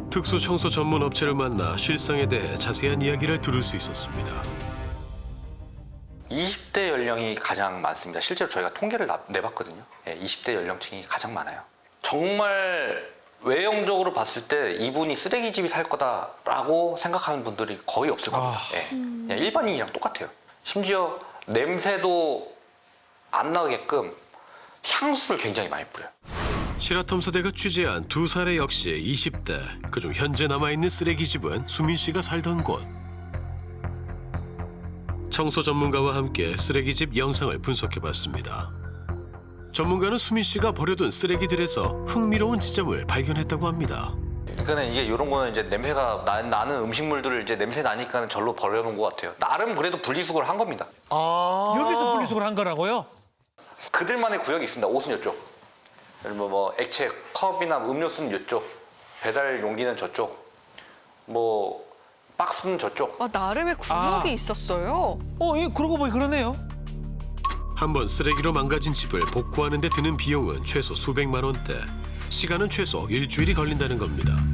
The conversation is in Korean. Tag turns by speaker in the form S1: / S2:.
S1: 특수 청소 전문 업체를 만나 실상에 대해 자세한 이야기를 들을 수 있었습니다.
S2: 20대 연령이 가장 많습니다. 실제로 저희가 통계를 내봤거든요. 20대 연령층이 가장 많아요. 정말 외형적으로 봤을 때 이분이 쓰레기집이 살 거다라고 생각하는 분들이 거의 없을 겁니다. 그냥 일반인이랑 똑같아요. 심지어 냄새도 안 나게끔 향수를 굉장히 많이 뿌려요.
S1: 실화탐사대가 취재한 두 사례 역시 20대, 그중 현재 남아있는 쓰레기집은 수민 씨가 살던 곳. 청소 전문가와 함께 쓰레기집 영상을 분석해봤습니다. 전문가는 수민 씨가 버려둔 쓰레기들에서 흥미로운 지점을 발견했다고 합니다.
S2: 그러니까 이게 이런 거는 이제 냄새가 나는 음식물들을 이제 냄새 나니까 절로 버려놓은 것 같아요. 나름 그래도 분리수거를 한 겁니다.
S3: 여기서 분리수거를 한 거라고요?
S2: 그들만의 구역이 있습니다. 옷은 이쪽, 뭐 액체 컵이나 음료수는 이쪽, 배달 용기는 저쪽, 뭐 박스는 저쪽.
S4: 아, 나름의 구역이 있었어요.
S3: 예, 그러고 보니 그러네요.
S1: 한번 쓰레기로 망가진 집을 복구하는 데 드는 비용은 최소 수백만 원대, 시간은 최소 일주일이 걸린다는 겁니다.